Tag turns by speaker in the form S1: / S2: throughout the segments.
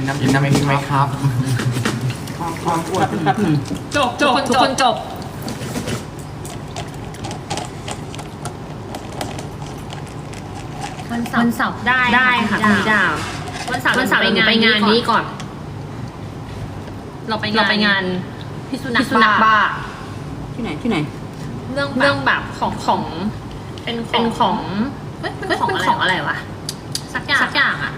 S1: กินน้ำเองไหมครับ
S2: ความอวดครับ
S3: จบทุกคนจบวันเสาร์ได้ค่ะคุณดาววันเสาร์ไปงานนี้ก่อน เราไปงานพิษสุนัขบ้า
S2: ที่ไหน
S3: เรื่องแบบของเป็นของเป็นของอะไรวะสักอย่างอ่ะ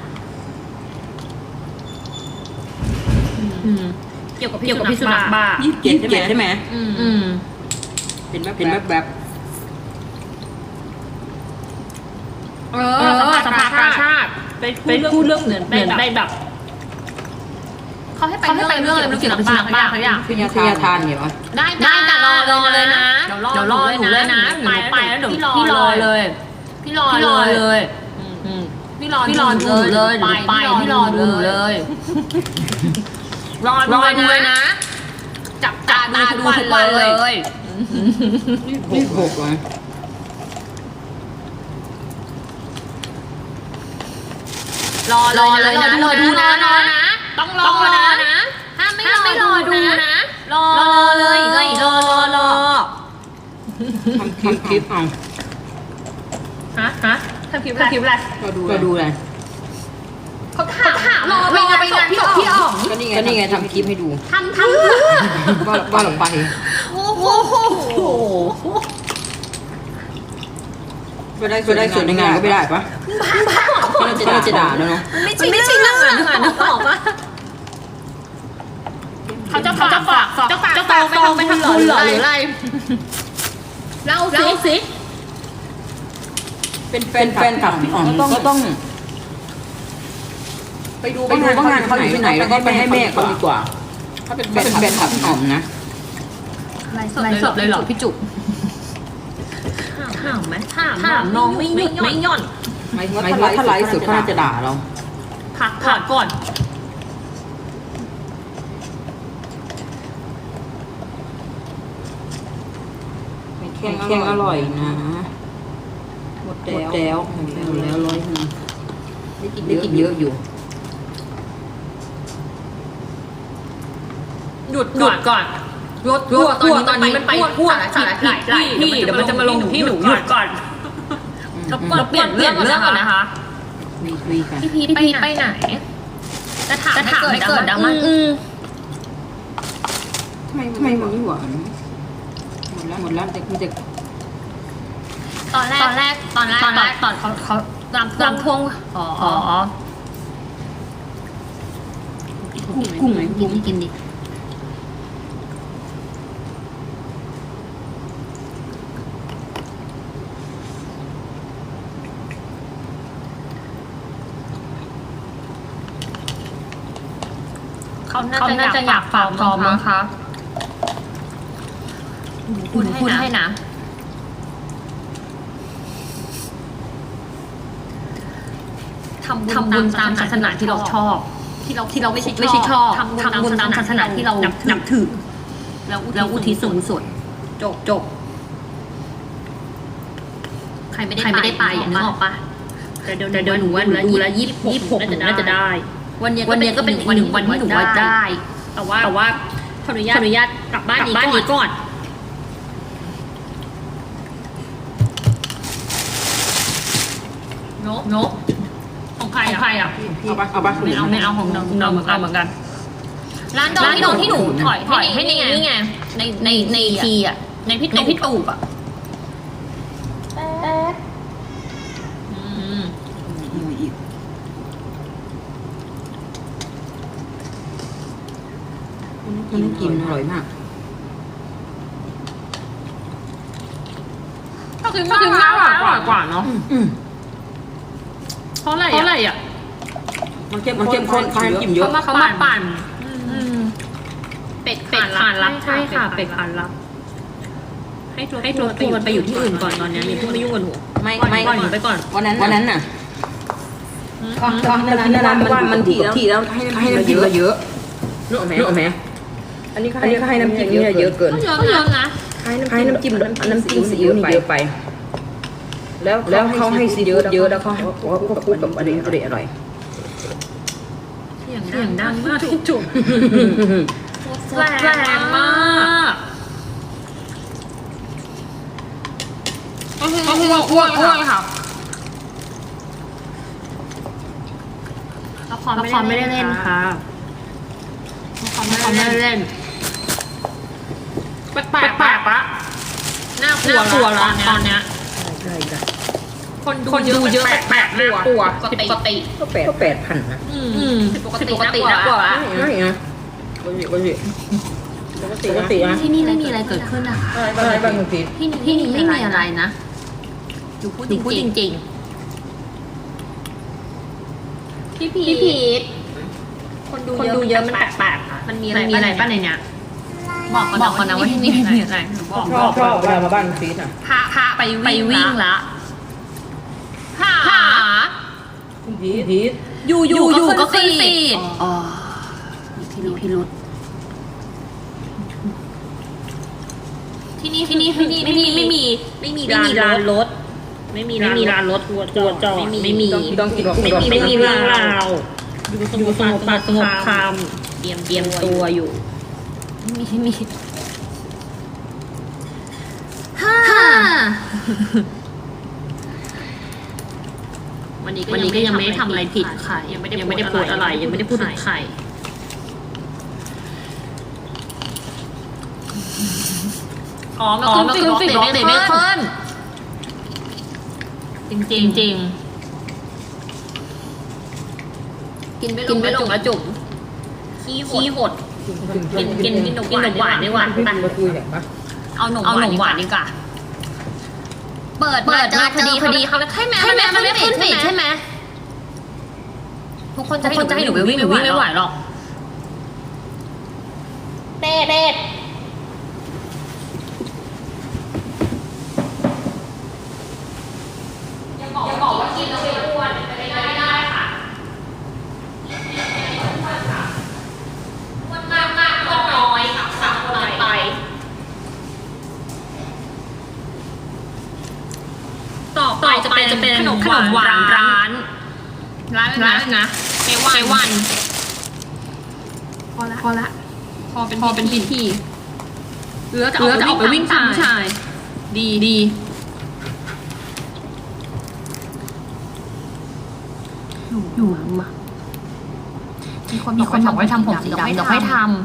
S3: เกี่ยวกับพิษสุนัขบ้า
S2: 27ใช่ไหมเป็นแบบ
S3: สภากาชาติไปพูดเรื่องเหมือนไปแบบเขาให้ไปเรื่องอะไรไม่รู้เกี่ยวกับพิษสุนัขบ้าเขาอย่าง
S2: พิญญาทานเนี่ยวะ
S3: ได้แต่รอเลยนะเดี๋ยวรอหนูเลยนะไปแล้วเดี๋ยวพี่รอเลยพี่รอหนูเลยไปพี่รอดูเลยรอเลยนะจับตาดูทุกวันเลย
S2: นี่6เลย
S3: รอเลยนะรอดูนะต้องรอนะถ้าไม่รอดูนะรอเลยรอ
S2: ทำคลิปเอา
S3: ฮะทำคลิปอะไร
S2: ก็ดูเลย
S3: เขาถามรอไปงานพี่อ๋อง
S2: ก็นี่ไงทำคลิปให้ดู
S3: ทำ
S2: ว่าลงไป
S3: โอ้โห
S2: ก็ได้ส่วนในงานก็ไม่ได้ปะก็จะด่าแล้วเนาะ
S3: ไม่ใช่งานนึกออกปะเขาจะฝากไปทำบุญหรืออะไรเล่าสิ
S2: เป็นแฟนคลับอ๋อก็ต้องไปดูว่างานเขาอยู่ที่ไหนแล้วก็ไปให้แม่เขาดีกว่าถ้าเป็นแฟนคลับอ๋อมนะ
S3: ไลฟ์สดเลยเหรอพี่จุ๊บถามน้องไม่ย่อน
S2: หมายถึงว่าถ้าไลฟ์สดเขาจะด่าเรา
S3: พักก่อน
S2: แข็งอร่อยนะหมดแล้ว100นึงได้กินเยอะอยู่
S3: หยุดก่อนรถตอนนี้มันไปพูดสารหลายที่เดี๋ยวมันจะมาลงที่หนูหยุดก่อนเราเปลี่ยนเรื่องก่อนนะคะพี่พีไปไหนจะถามให้เกิดดราม่า
S2: ทำไมมันไม่หวานหมดแล้วแต่คุณจะ
S3: ตอนแรกตอนเขาลำพวง
S2: กุ้งไหม
S3: กินดิเขาน่าจะอยากฝากพร้อมมั้งคะพูดให้นะทำบุญตามศาสนาที่เราชอบที่เราไม่ใช่ชอบทำบุญตามศาสนาที่เรานับถือแล้วอุทิศส่วนกุศลจบใครไม่ได้ไปอย่างนึกออกปะแต่เดี๋ยวหนูว่าดูแล26น่าจะได้วันนี้ก็เป็นอีก1 วันที่หนูว่าได้แต่ว่าขออนุญาตกลับบ้านนี้ก่อนนกของใครอ่ะ
S2: เอาปะ
S3: ไม่เอาของเราเหมือนกันร้านดองที่หนูถอยให้นี่ไงในทีอ่ะในพี่ตูบอ่ะ
S2: มันกินอร่อยมาก
S3: ก็คือน่าอร่อยกว่าเนาะเพราะอะไรอ่ะ
S2: มันเข้มข้นเขาให้กินเยอะ
S3: เขามาปั่นเป็ดขานรับใช่ค่ะเป็ดขานรับให้ตัวมันไปอยู่ที่อื่นก่อนตอนนี้มีเพิ่งไม่ยุ่งกับหนูไม่ก่อนหนูไปก่อน
S2: วันนั้นน่ะมันถี่แล้วให้น้ำจิ้มเยอะนึกออกไหมอันนี้ก็ให้น้ำจิ้มเยอะเกิน
S3: เยอะนะ
S2: ให้น้ำจิ้มซีอิ๊วนี่เยอะไปแล้วเขาให้ซีอิ๊วเยอะแล้วเขาพูดกับอันนี้อร่อย
S3: เสียงดังมากพี่จุ๋มแรงมากอ้วนค่ะละครไม่ได้เล่นค่ะละครไม่ได้เล่นแปลกปะน่ากลัวละตอนเนี้ยคนดูเยอะแปลกน่ากลัวปกติ
S2: ก็8,000นะ
S3: ปกติน่ากลัวละ
S2: ไม่นะปกตินะ
S3: ที่นี่ไม่มีอะไรเกิดขึ้นอะ
S2: อะไรบ้างคุณพีท
S3: ที่นี่ไม่มีอะไรนะดูพูดจริงพี่พีทคนดูเยอะมันแปลกๆมันมีอะไรบ้างในเนี้ยบอกก่อนนะว่าที่นี่มีอะไร
S2: ชอบเวลามาบ้านคุณพีทอ่ะ
S3: พาไปวิ่งละหา
S2: คุณพีท
S3: อยู่ก็ขึ้นฟีดมีพิรุธที่นี่ไม่มีร้านรถไม่มีร้านรถตัวจอดไม่มี
S2: ต้องคิดว่า
S3: ไม่มีเรื่องราวอยู่สงบคำเตรียมตัวอยู่มีวันนี้ก็ยังไม่ได้ทำอะไรผิดใครยังไม่ได้พูดอะไรยังไม่ได้พูดถึงใครมันขึ้นฟีดไม่ขึ้นจริงกินไม่ลงแล้วจุ๋มขี้หดกินนมหวานดีกว่า
S2: มาคุยอย่างปะ
S3: เอานมหวานดีกว่าเปิดเจอพอดีเขาให้แม่มันไม่ขึ้นฟีดใช่ไหมทุกคนจะให้หนูไปวิ่งไม่ไหวหรอกเด็ดอย่าบอกว่ากินแล้วไม่อ้วนไปได้ค่ะอ้วนมากอ้วนน้อยสักน้อยไปต่อไปจะเป็นขนมหวานร้านนะเจวันพอละพอเป็นพิธีเหลือจะออกไปวิ่งตามผู้ชายดีอยู่มามีคนบอกให้ทำผมสีดำเดี๋ยวให้ทำ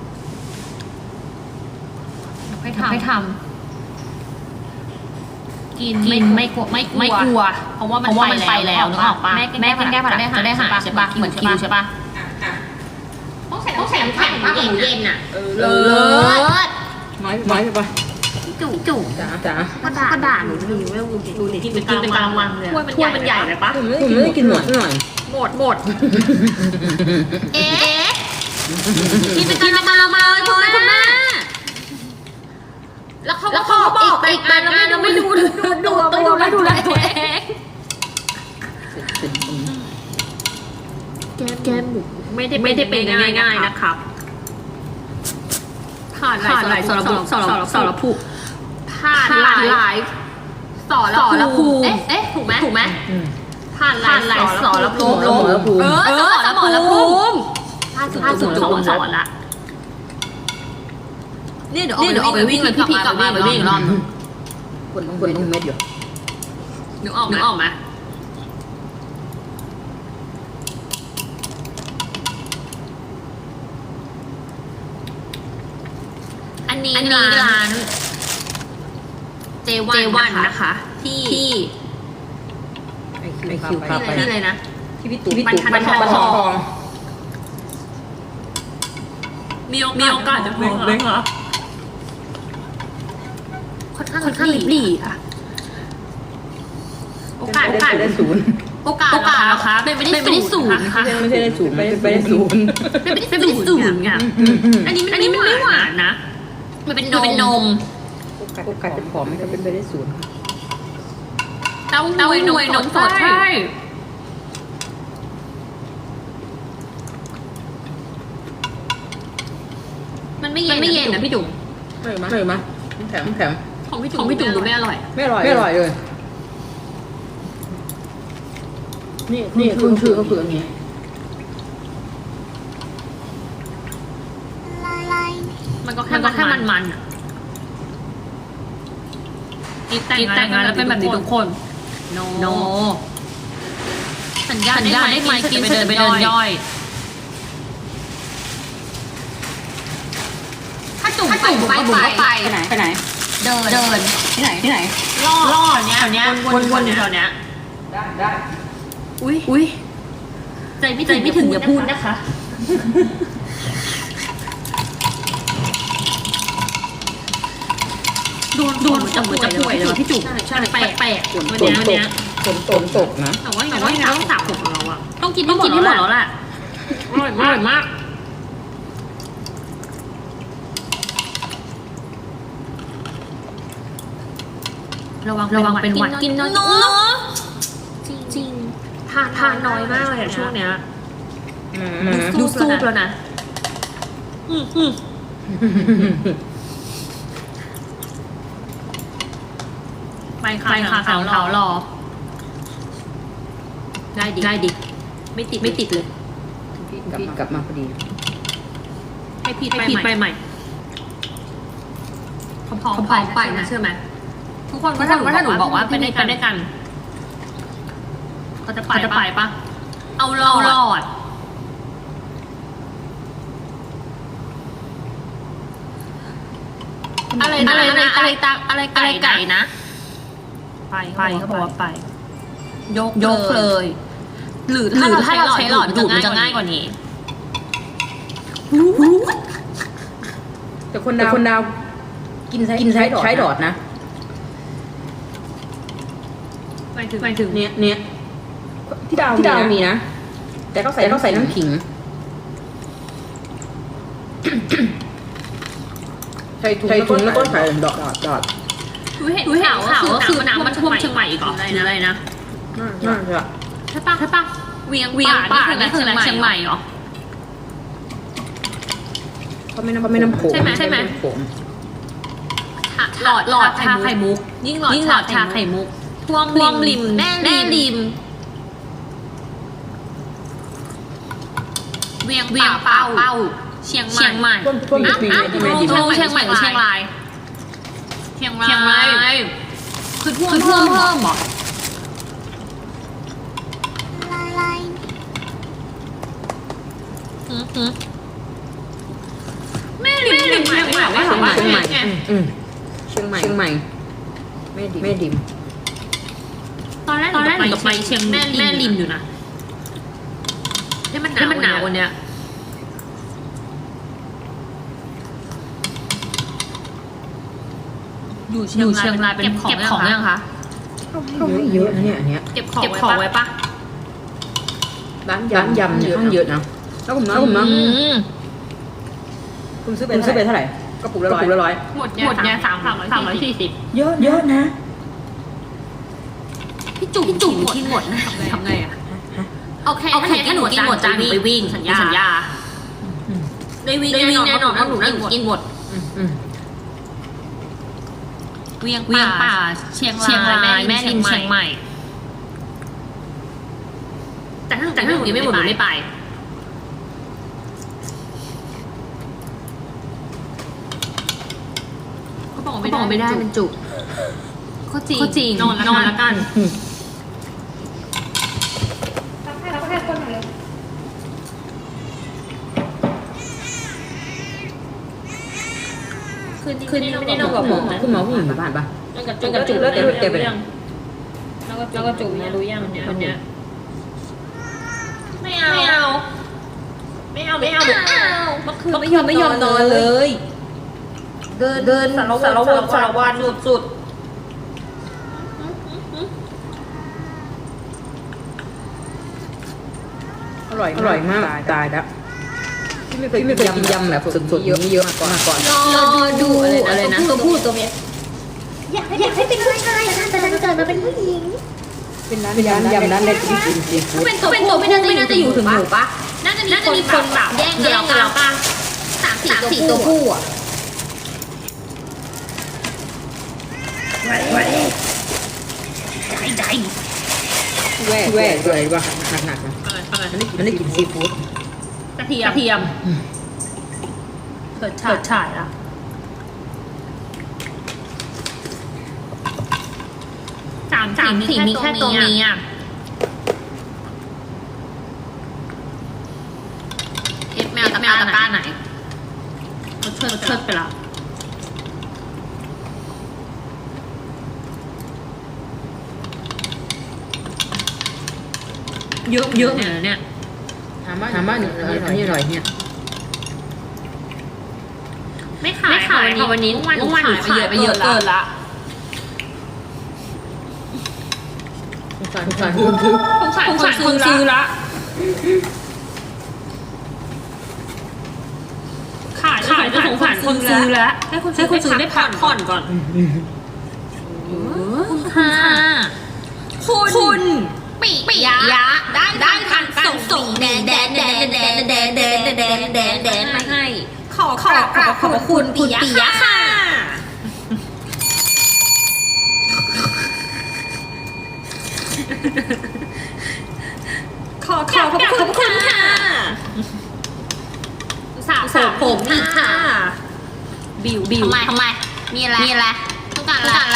S3: กินไม่กลัวเพราะว่ามันไปแล้วนึกออกปะแม่แก้ผัดจะได้หายใช่ปะเหมือนคิวใช่ปะต้องใส่น้ำแข็งหมูเย็นอ่ะเลิศ
S2: น้อยใช่ปะ
S3: จู่
S2: จ๋
S3: ากระดาษหนูดูนี่ที่เป็นกลางวันเลยถ้วยมันใหญ่เลยปะ
S2: ผมไม่ได้กินหมดหน่อย
S3: หมดที่เป็นกลางวันเลยคุณแม่แล้วเขาบอกอีกแต่เราไม่ดูตัวไม่ดูแลตัวเองแกมหมูไม่ได้เป็นง่ายๆนะครับผ่านหลายสารภูผ่านหลายสารภูเอ๊ะถูกไหมผ่านหลายสารภูสมรภูมิถ้าสุดสอนละเนี่ยเดี๋ยวออกไปวิ่งเลยพี่กลับมาไปวิ่งอีกรอบนึง
S2: คนต้องเม็ดอยู่
S3: นึกออกไหมอันนี้ร้านเจวันนะคะที่
S2: ไอคิวพาไป
S3: ที่อะไรนะ
S2: ที่พี่ตู่
S3: บรรทองมีโอกาสจะพอไหมค่อนข้างรีบหลีค่ะโอกาส
S2: ได้ศูนย์
S3: โอกาสนะคะเป็นไม่ได้ศูนย์ค่ะ
S2: ไม่ใช่ได้ศูนย์เป็นได้ศูนย์
S3: ไงอันนี้มันไม่หวานนะมันเป็นนม
S2: โอกาสจะผอมไม่ก็เป็นไปได้ศูนย์
S3: เต้าหวยนมสดใช่มันไม่เย็นนะพี่จุ๋ม
S2: ไม่มาแข็ง
S3: ของพี่จุ๋มดูไม่อร่อย
S2: เลยนี่คือก็คืออย่างนี้
S3: มันก็แค่มันอ่ะกินแต่งงานแล้วเป็นแบบนี้ทุกคน โนสัญญาได้ไหมกินเสร็จไปเดินย่อยถ้าจุ่มไปบุ๋มก็ไปไหนเดินที่ไหนล่อเนี้ยวนอยู่แถวเนี้ย
S2: ได้
S3: อุ้ยใจไม่ถึงอย่าพูดนะคะโดนจะป่วยเลยพี่จุ๋มใช่แปลกวันนี้
S2: ฝนตกนะ
S3: แต่ว่าต้องสระผมของเราอะต้องกินให้หมดแล้วแหละอร่อยมากระวังเป็นหวัดกินน้อยจริงทานน้อยมากเลยอะช่วงเนี้ยดูสู้แล้วนะไปค่ะสาวรอได้ดิไม่ติดเลย
S2: กลับมาพอดี
S3: ให้พี่ไปใหม่พร้อมไปนะเชื่อไหมทุกคนว่าถ้าหนูบอกว่าไปด้วยกันก็จะไปปะเอารอดอะไรไก่นะไปเขาบอกว่าไปยกเลยหรือถ้าเราใช้หลอดดูดมันจะง่ายกว่านี้
S2: แต่คนดาวกินใช้หลอดนะ
S3: ไปถึง
S2: เนี่ยที่ดาวมีนะแต่เขาใส่น้ำขิงใส่ถุงแล้วก็ใส่ดอด
S3: เห็นข่าวก็คือน้ำมันท่วมเชียงใหม่อีกเหรออะไรนะ
S2: น่าจะ
S3: ใช่ปะเวียงป่านี่คือเชียงใหม่เหรอ
S2: ก็ไม่น้ำโขง
S3: ใช่ไหมหลอดชาไข่มุกยิ่งหลอดชาไข่มุกท่วมริมแม่ริมเวียงเป้าเชียงใหม่
S2: ท่วมปี
S3: เชียงใหม่หรือเชียงรายคือท่วมเพิ่มหรอแม่ริมเชียงใหม่
S2: เชียงใหม่แม่ดิม
S3: ตอนแรกหนูไปเชียงแม่ริมอยู่นะให้มันหนาววันเนี้ยอยู่เชียงรายเป็นเก็บของยังคะ
S2: เยอะนะเนี่ยอันเนี้ย
S3: เก็บของไว้ปะ
S2: ร้านยำเนี่ยต้องเยอะนะแล้วผมนะคุณซื้อไปเท่าไหร่กระปุกละ100
S3: หมดเนี่ย340
S2: เยอะนะ
S3: พี่จุ๋มกินหมดทำไงอะโอเคถ้าหนูกินหมดจานไปวิ่งสัญญาได้วิ่งแน่นอนเพราะหนูกินหมดเวียงป่าเชียงรายแม่ริมเชียงใหม่แต่ถ้าหนูกินไม่หมดหนูไม่ไปเขาบอกไม่ได้มันจุกก็จริงนอนแล้วกันคืนนี้ไม่ได้นอนกับผมนะ
S2: คุณหมอผู้หญิงอยู่บ้านปะ
S3: จนกระจุกแล้วเดี๋ยวไปยังแล้วก็จุกนะรู้ยังวันเนี้ยไม่เอาเมื่อคืนไม่ยอมนอนเลยเดินสารวัตรสุด
S2: อร่อยมากตายแล้วที่ไม่เคยกินยำแบบสดๆเยอะมาก่อน
S3: รอดูอะไรนะตัวเมีย
S1: อยากให้เป็นผู้ชายนะแต่ดันเกิดมาเป็นผู้หญิง
S2: เป็นร้านยำร้านเล็กที่กินซีฟู้ด
S3: เป็นตัวไม่น่าจะอยู่ถึงหนูปะน่าจะมีคนแบบแย่งกันแล้วป่ะ3-4ตัวผู้อ่ะใจ
S2: แหวกอะไรวะหนักนะมันได้กินซีฟู้ด
S3: กระเทียมเปิดฉายละ3 4มีแค่ตัวนี้อ่ะแมวตะกร้าไหนเขาเชิดไปละเยอะเนี่ย
S2: ถามว่าหนูอันนี้อร่อยเนี่ย
S3: ไม่ขายค่ะวันนี้หนูขายไปเยอะเกินละ
S2: สงสารคนซื้อละ
S3: ขายจะสงสารคนซื้อแล้วให้คนซื้อได้พักผ่อนก่อนคุณปิยะได้ทางส่งแดนมาให้ขอบคุณปิยะค่ะขอบคุณค่ะสาวผมอีกค่ะบิวทำไมมีอะไรต้องการอะไร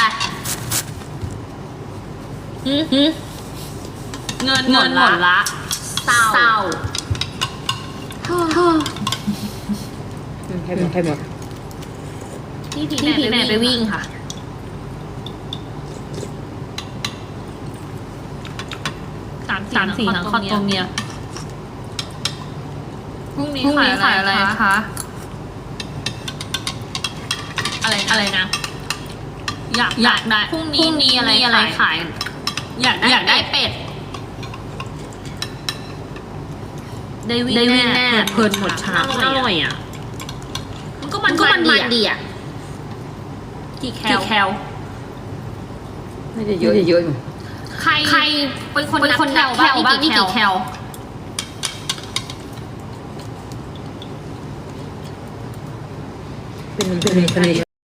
S3: เงินหมดละเศร้า
S2: ใครหมด
S3: พี่แม่ไปวิ่งค่ะ3 4ทั้งคอตัวเมียพรุ่งนี้ขายอะไรคะอะไรนะอยากได้พรุ่งนี้อะไรขายอยากได้เป็ดได้วิ่งแน่เพลินหมดชาอร่อยอ่ะมันก็มันดีอ่ะกี่แคล
S2: ไม่ได้เยอะอยู่
S3: ใครเป็นคนนับแคลบ้างนี่กี่แคล
S2: เป็น